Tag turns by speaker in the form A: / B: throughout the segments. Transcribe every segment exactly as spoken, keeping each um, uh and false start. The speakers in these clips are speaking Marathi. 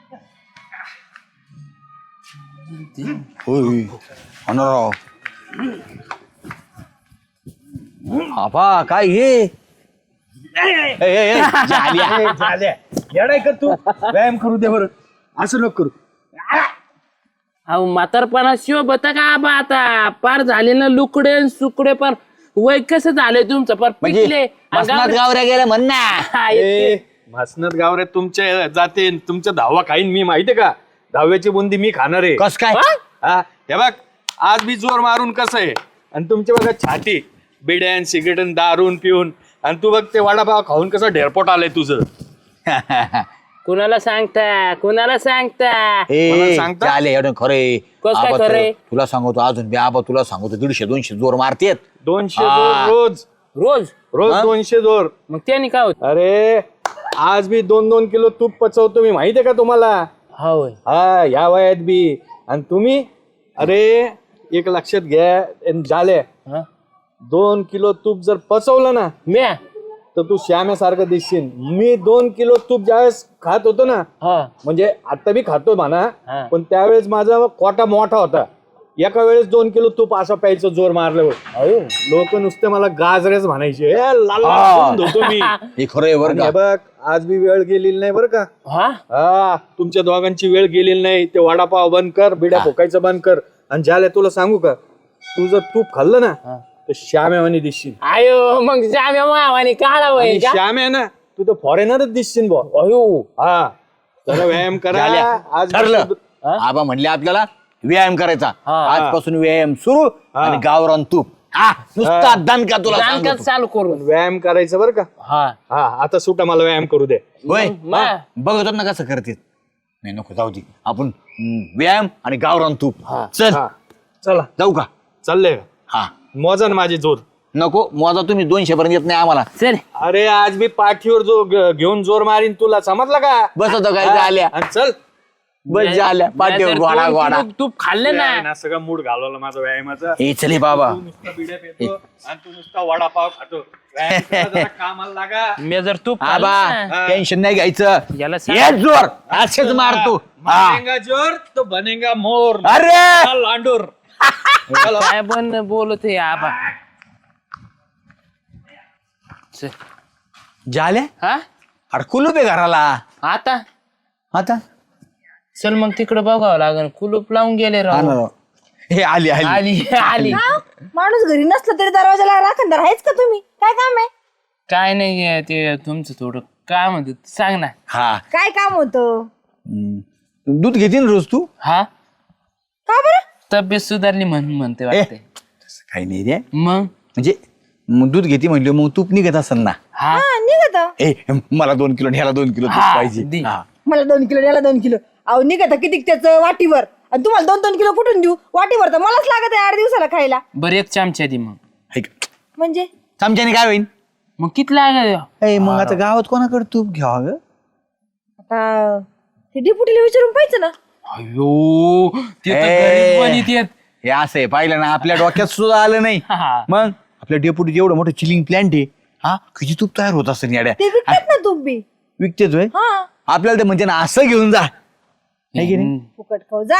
A: होय होणार आपा काय हे
B: येडाय कर तू व्यायाम करू दे बरं असं नको करू.
C: अहो म्हातारपणा शिव बता का आबा आता पार झाले ना लुकडे न सुकडे पण वय कसं झालंय तुमचं पार पिकले
A: म्हणजे मसनात गावऱ्या गेल्या म्हण ना.
C: हा, इतके-
B: ए, भासनात गावरे तुमच्या जाते तुमच्या धावा खाईन मी माहितीये का दहाव्याची बुंदी मी खाणार आहे.
A: कस काय
B: हा हे बघ आज मी जोर मारून कसं आहे आणि तू बघा छाती बिड्यान सिगरेटन दारून पिऊन आणि तू बघ ते वडापाव खाऊन कसं ढेरपोट आलंय तुझं.
C: कुणाला सांगता कुणाला सांगता
B: मला
A: ए
B: सांगता?
A: चाले एवढं खरे
C: कसं काय खरंय?
A: तुला सांगतो अजून बी आबा तुला सांगतो दीडशे दोनशे जोर मारतेत.
B: दोनशे
A: हा.
B: जोर रोज
C: रोज
B: रोज
A: हा?
B: दोनशे जोर.
C: मग त्याने काय होत
B: अरे आज मी दोन दोन किलो तूप पचवतो मी माहितीये का तुम्हाला.
C: होय
B: हा या वयात बी आणि तुम्ही अरे एक लक्षात घ्या आणि झाले
C: हा?
B: दोन किलो तूप जर पचवलं ना
C: म्या
B: तर तू श्याम्यासारखं दिसशील. मी दोन किलो तूप ज्यावेळेस खात होतो ना
C: हा
B: म्हणजे आता बी खातो म्हणा
C: हा.
B: पण त्यावेळेस माझा कोटा मोठा होता. एका वेळेस दोन किलो तूप असं प्यायचं जोर मारल्यावर लोक नुसते मला गाजरेच म्हणायचे. ए, लाल लाल करून धुतो मी.
A: हे खरं आहे बरं
B: आणि
A: का
B: हे बघ आज बी वेळ गेलेली नाही बरं का.
C: हा
B: हा तुमच्या दोघांची वेळ गेलेली नाही. ते वडापाव बंद कर बिड्या फोकायचं बंद कर आणि ज्याला तुला सांगू का तू जर तूप खाल्लं ना तर श्याम्यावानी दिसशील.
C: आयो मग जाम्या मावाने काढा वय
B: आणि श्याम आहे ना तू तर फॉरेनरच दिसशील बॉ.
C: अयो
B: हा जरा व्यायाम करा
A: झाल्या.
B: आज
A: ठरलं आबा म्हणले आपल्याला व्यायाम करायचा
C: हा.
A: आजपासून व्यायाम सुरू आणि गावरान तूप हा, नुसता दणका तुला
C: जाणकाच
A: सांगतो.
C: चालू करून
B: व्यायाम करायचं बरं का.
C: हा
B: हा आता सुटा मला व्यायाम करू दे.
A: होय
C: मा-
A: हा, बघतो ना कसं करते नाही नको जाऊ दे आपण हम्म, व्यायाम आणि गावरान तूप चल
B: हा चला
A: जाऊ का
B: चाललंय का
A: हा
B: मोजा ना माझी जोर.
A: नको मोजा तुम्ही दोनशे पर्यंत येत नाही आम्हाला
C: चल
B: अरे आज मी पाठीवर जो ग- घेऊन जोर मारीन तुला समजला का.
A: बस होतं काय
B: हा,
A: आल्या
B: आणि चल
A: बस झाल्या पाठीवर
C: नाहीतर
A: गोडा
C: दोन
A: गोडा
C: किलो तूप खाल्ले ना
B: ना सगळं मूड घालवलं माझा व्यायामाचा.
A: हे चले बाबा
B: तू नुसता बिड्या पितो आणि तू नुसता वडापाव खातो. व्यायाम करा जरा, कामाला लागा.
C: मी जर तूप
A: आबा
C: खाल्लं ना,
A: टेन्शन नाही घ्यायचं
C: याला सांग.
A: ये जोर असेच मारतो हा.
B: बनेगा जोर तो बनेगा मोर.
A: अरे
B: चल, लांडूर.
C: काय पण बोलत आहे आबा चल.
A: झाल्या
C: हा
A: अरे कुलूप आहे घराला
C: आता
A: आता
C: चल मग तिकडे बघावं लागेल कुलूप लावून गेले
A: हा
C: राव
A: ना राव. हे आली आली
C: आली आली
D: माणूस घरी नसला तरी दरवाजाला राखणदार आहेच का तुम्ही? काय काम आहे?
C: काय नाही ते तुमचं थोडं काय म्हणत सांग ना
A: हा
D: काय काम होतं?
A: हम्म. दूध घेते ना रोज तू
C: हा
D: का बरं?
C: तब्येत सुधारली म्हणून म्हणते वाटते
A: तसं काही नाही रे
C: मग
A: म्हणजे मग दूध घेते म्हणलं मग तूप निघत असेल ना
C: हा
D: हा निघत.
A: ए मला दोन किलो ह्याला दोन किलो तूप
C: हा,
A: पाहिजे
C: दे.
A: हा.
D: मला दोन किलो याला दोन किलो अहो निघत किती त्याचं वाटीवर आणि तुम्हाला दोन दोन किलो कुठून देऊ? वाटीवर तर मलाच लागत आहे आठ दिवसाला खायला.
C: बरं एक चमचा दे मग
A: हे का?
D: म्हणजे
A: चमच्याने काय होईल
C: मग किती लागत
A: ए मग आता गावात कोणाकडे तूप घ्यावं ग
D: आता ते डिपुटीला विचारून पाहिजे ना.
C: अयो ते तर
A: ए.
C: गरीब बनीत येत.
A: हे असं आहे पाहिलं ना आपल्या डोक्यात सुद्धा आलं नाही
C: हा.
A: मग आपल्या डेपुटी एवढं मोठं चिलिंग प्लांट आहे हा किती तूप तयार होत असेल याड्या
D: ते विकतात ना तूप बी.
A: विकतेच होय
D: हा
A: आपल्याला ते म्हणजे ना असं घेऊन जा है की नाही
D: फुकट खाऊ जा.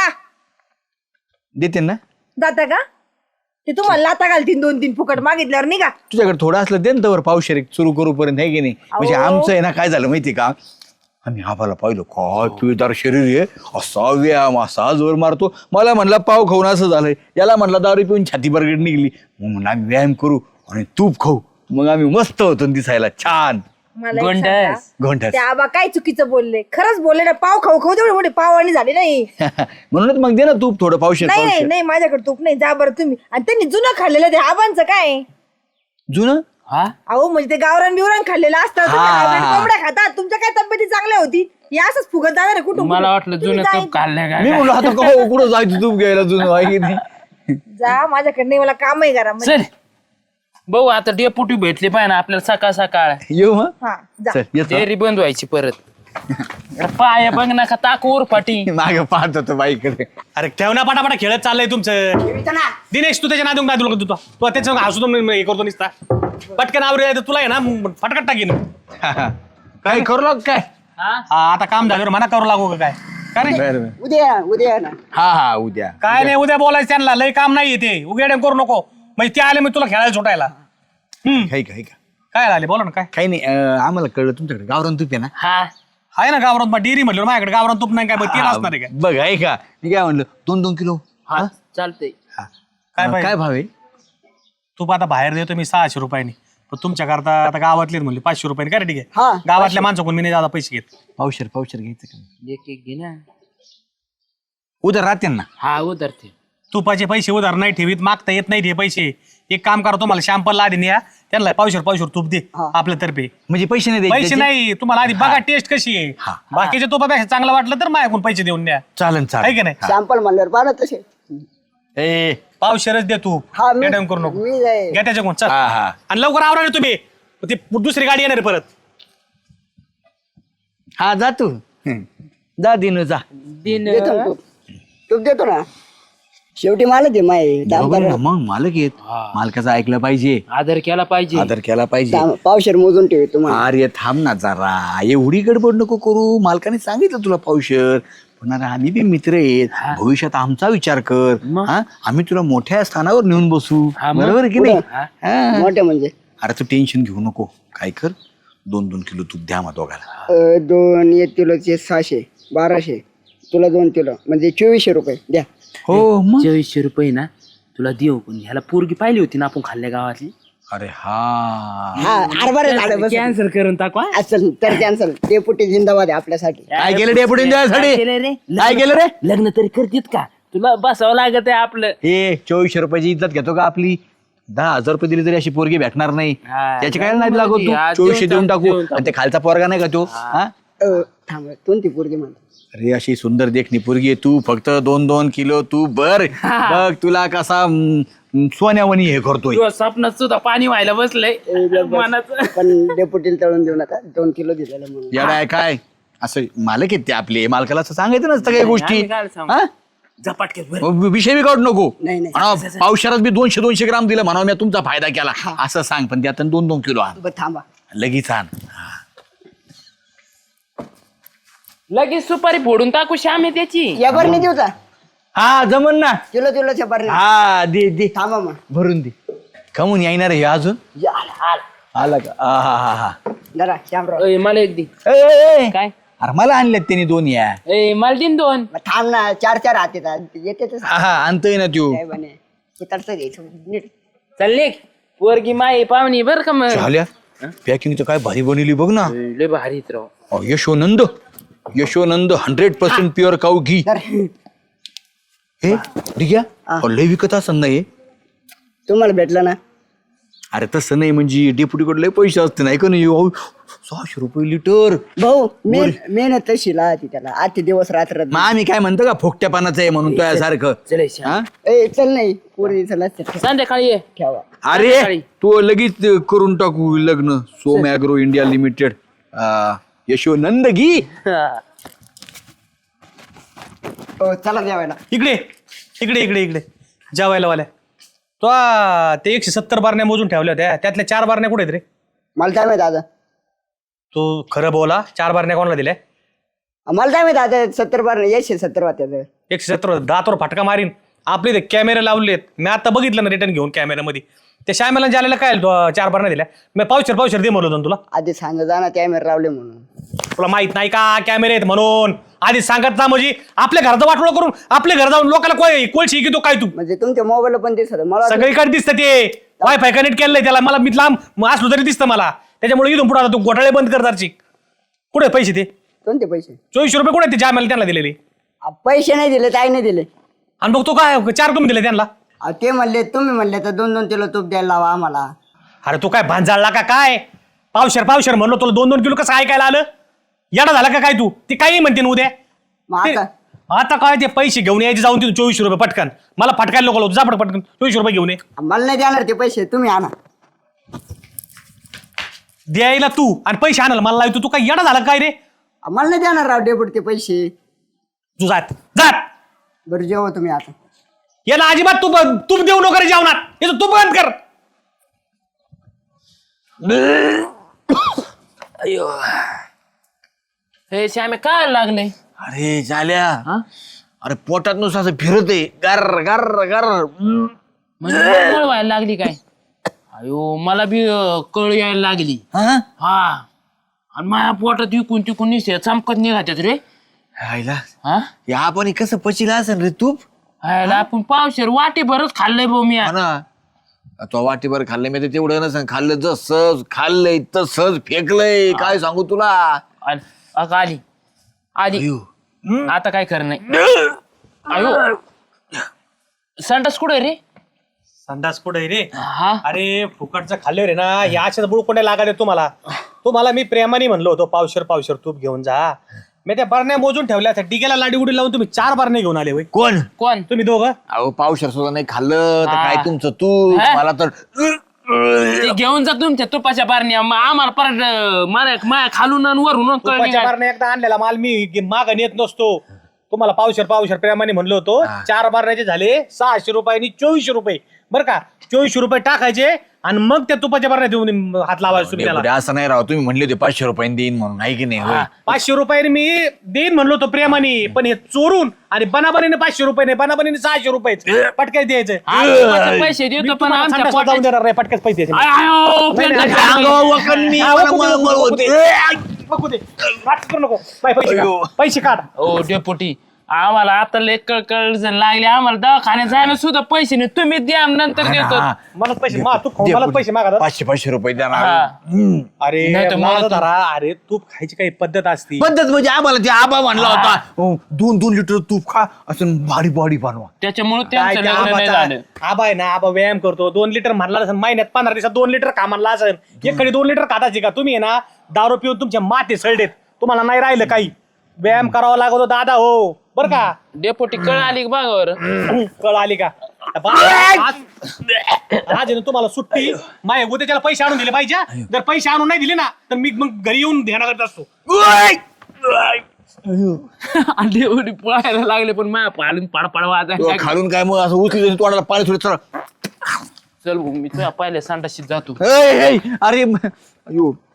A: देते ना
D: जाता का? ते तुम्हाला लाता घालतीन दोन तीन फुकट मागितल्यावर निघा.
A: तुझ्याकडे थोडं असलं दे ना तवर पावशेर सुरू करूपर्यंत आहे की नाही म्हणजे
D: अहो.
A: आमचं आहे ना काय झालं माहिती का आम्ही आम्हाला पाहिलं काय पिळदार शरीर आहे असा व्यायाम असा जोर मारतो मला म्हणला पाव खाऊन असं झालंय याला म्हणला दारू पिऊन छाती बरगड निघली मग म्हणलं आम्ही व्यायाम करू आणि तूप खाऊ मग आम्ही मस्त होतो न दिसायला छान
D: मला एक
C: गोंडस.
D: सांगा,
A: घोंटाच
D: ते आबा काय चुकीचं बोलले? खरंच बोलले ना. पाव खाऊ खाऊ तेवढे मोठे पाव आणि झाले नाही.
A: म्हणूनच मग दे ना तूप थोडं पावशेर
D: नाही नाही
A: पावशेर
D: नाही माझ्याकडे तूप नाही. जा बरं तुम्ही. आणि त्यांनी जुनं खाल्लेलं ते आबांचं काय?
A: जुनं
C: हा
D: अहो म्हणजे ते गावरान बिवरान खाल्लेलं असतं. तुम्ही
A: हा.
D: hybrid कोंबड्या खातात. तुमच्या काय तब्येती चांगल्या होती? हे असंच फुगत जाणार आहे कुठून
C: मला
D: कुठून.
C: वाटलं
D: तुम्ही
C: जुनं
D: जा
C: तूप खाल्लं
A: मी
C: काय
A: म्हणलो आता का कुठं जायचं तूप घ्यायला जुनं आहे की नाही
D: जा माझ्याकडे नाही. मला कामही करा म्हणजे.
C: चल भाऊ आता डेपुटी भेटली पाहिजे ना आपल्याला सकाळ सकाळ
A: येऊ मग
D: हा जा.
A: चल येतो
C: डेअरी बंद व्हायची परत पाय बघ ना का ताकूर फाटी
A: मागे पाहत होतो बाईकडे
E: अरे ठेव ना पटापटा खेळत चाललंय तुमचं दिनेश तू त्याच्या नादून काय तुला तुला तू त्याच्या हसू हे करतो निसता पटकन आवरे तुला आहे ना फटकट टाकीन
A: काय करू लाग काय
E: हा, आता काम झाल्यावर म्हणा करू लागू का काय का रे
A: बरं बरं.
F: उद्या उद्या ना
A: हा हा उद्या
E: काय नाही उद्या बोलायचं त्यांना लय काम नाही ते उघड्या करू नको म्हणजे ते आले मी तुला खेळायला सुटायला हम्म
A: काही काही का
E: काय आले बोला ना काय
A: काही नाही अं, आम्हाला कळलं तुमच्याकडे गावरान तूप आहे ना
C: हा
E: आहे ना गावरान डेअरी म्हटलं माझ्याकडे गावरान तूप नाही काय बघ तेल असणार आहे काय
A: बघ आहे का मी काय म्हणलं दोन दोन किलो
C: हा चालतंय
A: हा.
E: काय
A: अं,
E: पाहिजे?
A: काय भाव आहे
E: तूप आता बाहेर देतो मी सहाशे रुपयांनी पण तुमच्याकरता आता गावातले म्हणले पाचशे रुपयांनी काय रे ठीक
F: हा,
E: आहे गावातल्या माणसाकडून मी नाही जादा पैसे घेत
A: पावशर पावशर घ्यायचं का
C: एक एक घे ना
A: उद्या राहते ना
C: हा उतरते
E: तुपाचे पैसे उधार नाही ठेवीत मागता येत नाही ते पैसे एक काम करा तुम्हाला शॅम्पल आधी न्या त्यांना पावशर पावशर तूप दे आपल्यातर्फे
A: म्हणजे पैसे नाही द्यायचे
E: पैसे
A: त्याचे?
E: नाही तुम्हाला आधी बघा टेस्ट कशी आहे
A: हा.
E: बाकीच्या तुपापेक्षा चांगलं वाटलं तर माझ्याकडून पैसे देऊन द्या
A: चालन
E: आहे की
A: चालेल
E: नाही
F: सॅम्पल म्हणल्यावर पाहा तसे
A: ए
E: पावशरच दे तू
F: हा मी
E: मॅडम करू नको
F: मी जाईल.
E: घ्या त्याच्याकडून चल
A: हा हा
E: आणि लवकर आवरा रे तुम्ही ते दुसरी गाडी येणार आहे परत
A: हा जा तू हं. जा दिनू जा
C: दिन
F: देतो ना तूप तूप देतो ना शेवटी मला दे माय
A: बरोबर आहे ना, मग मालक येत मालकाचं ऐकलं पाहिजे
C: आदर केला पाहिजे
A: आदर केला पाहिजे
F: पावशेर मोजून ठेव तुम्हाला
A: अरे थांब ना जरा एवढी गडबड नको करू मालकाने सांगितलं तुला पावशर पण अरे आम्ही बी मित्र आहेत भविष्यात आमचा विचार कर हा आम्ही तुला मोठ्या स्थानावर नेऊन बसू
C: हा, मग.
A: बरोबर आहे की नाही
C: हा.
A: हा.
F: मोठे म्हणजे
A: अरे तू टेन्शन घेऊ नको काय कर दोन दोन किलो तूप द्या मग दोघाला
F: अं, दोन एक किलोचे सहाशे बाराशे तुला दोन किलो म्हणजे चोवीसशे रुपये द्या
A: हो मग
C: चोवीसशे रुपये ना तुला देऊ पण ह्याला पोरगी पाहिली होती ना आपण खाल्ल्या गावातली
A: अरे हा
F: हा हरभरे झालं बस
C: कॅन्सल करून टाकू हा?
F: असेल तर कॅन्सल ते पुटी जिंदाबाद आहे आपल्यासाठी
A: काय केलं डेपुटी द्यायसाठी
C: काय केलं रे
A: काय केलं रे
C: लग्न तरी करतीत का तुला बसावं लागत आहे आपलं
A: हे चोवीसशे रुपयाची इज्जत घेतो का आपली दहा हजार रुपये दिली तरी अशी पोरगी भेटणार नाही
C: हा,
A: त्याची काय नाही लागत तू
C: हा,
A: चोवीसशे
C: देऊन
A: देऊन
C: टाक,
A: टाकू
C: देऊन टाक.
A: आणि ते खालचा पोरगा नाही का तो हा
F: अं, थांब कोणती पोरगी म्हणतो
A: अरे अशी सुंदर देखणी पोरगी आहे तू फक्त दोन दोन किलो तू बर बघ तुला कसा हम्म, सोन्यावणी हे करतोय
C: तुझ्या स्वप्नात सुद्धा पाणी व्हायला बसलंय मनाचं
F: पण डेपुटीला तळून देऊ नका दोन किलो दिलेलं म्हणून
A: याला आहे काय असं मालक आहेत ते आपले मालकाला असं सांगायचं नसतं काही गोष्टी
C: आम्ही काय सांगू?
A: हा?
C: झपाटके
A: विषय बी काढू नको
F: नाही, नाही.
A: म्हणा, पावसाळ्यात बी दोनशे दोनशे ग्राम दिलं म्हणा मी तुमचा फायदा केला असं सांग पण त्यात दोन दोन किलो आण
F: बरं, थांबा
A: लगेच आण
C: लगेच सुपारी फोडून टाकू श्याम आहे त्याची
F: या बरणी देऊ का
A: हा जमन ना
F: किलो किलोच्या बरणी
A: हा दे दे
F: थांबा मग
A: भरून दे कमून येणार हे अजून
F: या, आला, आला.
A: आला का हा हा हा हा
F: जरा श्यामराव
C: अय, मला एक दे
A: ए, ए, ए.
C: काय
A: अरे मला आणल्यात त्यांनी दोन या
C: ए मला दिन दोन
F: मग थांब ना चार चार हात येतात येते तर
A: हा हा आणतोय ना तू
F: काय बने उतरतं द्यायचं नीट
C: चालले पोरगी माई पाहुणी बर का मग
A: झाल्या पॅकिंग तर काय भारी बनवली बघ ना
C: लय भारीत राव
A: अहो, Yashonand Yashonand hundred percent pure cow ghee
F: तर
A: हे ठीक आहे लय विकत असं नाही
F: तुम्हाला भेटलं ना
A: अरे तसं नाही म्हणजे डेप्युटीकडे लय पैसे असते नाही का नाही अहो, सहाशे रुपये लिटर
F: भाऊ मेन मेहनत तशी लाहती त्याला आजचे दिवस रात्र
A: मग आम्ही काय म्हणतो का फोकट्या पानाचं आहे म्हणून तो सारखं
C: चल श्याम
A: हा?
F: ए चल नाही पोरी चला
C: संध्याकाळी ये
F: ठेवा
A: अरे
C: संध्याकाळी.
A: तू लगेच करून टाकू लग्न Som agro India limited Yashonand ghee
F: हो चला जेवायला
E: इकडे इकडे इकडे इकडे जेवायला वाल्या तो आ, ते एकशे सत्तर बारण्या मोजून ठेवल्या होत्या त्यातल्या चार बारण्या कुठे आहेत रे
F: मला काय माहित आता
E: तू खरं बोला चार बारण्या कोणाला दिल्या
F: मला काय माहित आता सत्तर बार एकशे सत्तर वाट्याचं
E: एकशे सत्तर दातवर फटका मारीन आपले ते कॅमेरे लावलेत मी आता बघितलं ना रिटर्न घेऊन कॅमेऱ्यामध्ये त्या श्यामेला ज्याला काय तू, अं, चार बारण्या दिल्या मी पावशर पावशर दे म्हणलो होतो ना तुला
F: आधी सांग जा ना कॅमेरा लावले म्हणून
E: तुला माहित नाही का कॅमेरे आहेत म्हणून आधी सांगत ना म्हणजे आपल्या घराचं वाटोळं करून आपल्या घर जाऊन लोकांना कोय कोळशी की तो काय तू
F: म्हणजे तुमच्या मोबाईल पण दिसत मला वाटलं-
E: सगळीकडे दिसतं ते वायफाय कनेक्ट केलंय त्याला मला मी लांब असलो तरी दिसतं मला त्याच्यामुळे इथून पुढे तू घोटाळे बंद कर दारची कुठे आहेत पैसे ते
F: कोणते पैसे
E: चोवीसशे रुपये कुठे आहेत ते जामेला त्यांना दिलेले
F: अ, पैसे नाही दिले काय नाही दिले
E: आणि बघ तो काय चार तुम्ही दिले त्यांना
F: अ, ते म्हणले तुम्ही म्हणले तर दोन दोन किलो तूप द्यायला लावा आम्हाला
E: अरे तू काय भांजाळला का काय पावशर पावशर म्हणलो तुला दोन दोन किलो कसं ऐकायला आलं येडा झाला का काय तू ते काही म्हणते ना उद्या
F: मग
E: ते-
F: आता
E: आता काय ते पैसे घेऊन यायचे जाऊन तिथून चोवीसशे रुपये पटकन मला फटकायला नको जा पट- पटकन चोवीसशे रुपये घेऊन ये
F: मला नाही देणार ते पैसे तुम्ही आणा
E: द्यायला तू आणि पैसे आणायला मला लावतो तू काय येडा झाला काय रे
F: अ, मला नाही देणार राव डेपुट ते पैसे
E: तू जात जात
F: बरं जेवा तुम्ही आता
E: याला अजिबात तू तूप देऊ नको रे जेवणात याचं तूप बंद कर
C: अयो हे श्यामे काय लागले
A: अरे झाल्या
C: हा
A: अरे पोटात नुसतं असं फिरत आहे गर गर गर
C: म्हणजे कळ व्हायला लागली काय अयो मला बी अं, कळ यायला लागली
A: हा
C: हा आणि माझ्या पोटात विकून तिकून निसे चमकत निघातात रे
A: आईला
C: हा
A: या आपण कसं पचिला असेल रे तूप
C: हायला आपण पावशेर वाटी भरच खाल्लंय भाऊ मी
A: हा ना तो वाटीभर खाल्लंय मी तर तेवढं नसेल खाल्लं जसं खाल्लंय तसंच फेकलंय काय सांगू तुला
C: आल- अगं आली आली
A: अयो.
C: आता काय खरं नाही अयो संडास कुठे रे
E: संडास पुढे रे
C: हा
E: अरे फुकटचं खाल्ले रे ना या अशाच बुळकोंड्या लागाले तुम्हाला तुम्हाला मी प्रेमाने म्हणलो होतो पावशर पावशर तूप घेऊन जा मी त्या बरण्या मोजून ठेवल्या त्या डिगेला लाडी उडी लावून तुम्ही चार बरण्या घेऊन आले होय
A: कोण
C: कोण
E: तुम्ही दोघं
A: अहो पावशर सुद्धा नाही खाल्लं तर
C: हा.
A: काय तुमचं तूप
C: हा?
A: मला तर
C: ते घेऊन जा तुमच्या तुपाच्या बारण्या मग आम्हाला परत अं, मारा माया खालून आणि वरून कळणी
E: तुपाच्या बरण्या एकदा आणलेला माल मी माग नेत नसतो तुम्हाला पावशर पावशर प्रेमाने म्हणलो होतो चार बारण्याचे झाले सहाशे रुपयांनी चोवीसशे रुपये बरं का चोवीसशे रुपये टाकायचे आणि मग त्या तुपाच्या बरण्या देऊन हात लावायचे तुम्ही त्याला
A: असं नाही राव तुम्ही म्हणले होते पाचशे रुपयांनी देईन म्हणून आहे की नाही होय?
E: पाचशे रुपयाने मी देईन म्हणलो होतो प्रेमाने पण हे चोरून आणि बनाबनीने पाचशे रुपये नाही बनाबनीने सहाशे रुपये पटक्याच द्यायचं
C: तुपाचे पैसे देतो पण आमच्या
E: जाऊन
C: पोटात
E: देणार नाही पटक्याच पैसे द्यायचे.
C: आय, आयो,
E: नाही, नाही,
C: पेटलं.
A: अंगावर वखर मी,
E: हा,
A: मला
E: वखर
A: मळमळ
E: नको,
A: होते.
E: बघू दे नाटक करू नको बाय, पैसे
A: अयो.
E: काढ. पैसे काढ
C: ओ डेपुटी आम्हाला आता लय कळकळ लागले आम्हाला दवाखान्यात जायला सुद्धा पैसे नाही तुम्ही द्या नंतर देतो
A: हा.
E: मला पैसे मा तू खाऊन मला पैसे मागा
A: पाचशे पाचशे रुपये देणार
C: हा.
A: हम्म.
E: अरे
C: नाही तर मला
E: माझं
C: तू-
E: धरा अरे तूप खायची काही पद्धत असती
A: पद्धत म्हणजे आम्हाला ते आबा म्हणला होता अहो, दोन दोन लिटर तूप खा असं भारी बॉडी बनवा
C: त्याच्यामुळे
E: काय
C: त्यांचं
E: ते
C: लग्न नाही झालं
E: आबाचा- आबा आहे ना आबा व्यायाम करतो दोन लिटर म्हणला असेल महिन्यात पंधरा दिवसात दोन लिटर कामाला असेल एकडे दोन लिटर खाताची का तुम्ही आहे ना दारू पिऊन तुमच्या माते सळडेत तुम्हाला नाही राहिलं काही व्यायाम करावा लागतो दादा हो बर का
C: डेपुटी कळ आली का बघावर
E: कळ आली का बा- आज आज आहे ना तुम्हाला सुट्टी माय उद्या त्याला पैसे आणून दिले पाहिजे जर पैसे आणून नाही दिले ना तर मी मग घरी येऊन ध्यान करत असतो
C: डेपुटी पळायला लागले पण माझ्या पाडून पाडपाड वाजायला
A: खालून काय मग असं उचली तोंडाला पाणी थोडं चला
C: चल भाऊ, मी तुझ्या पहिल्या संडाशीत जातो
A: अरे म- अयो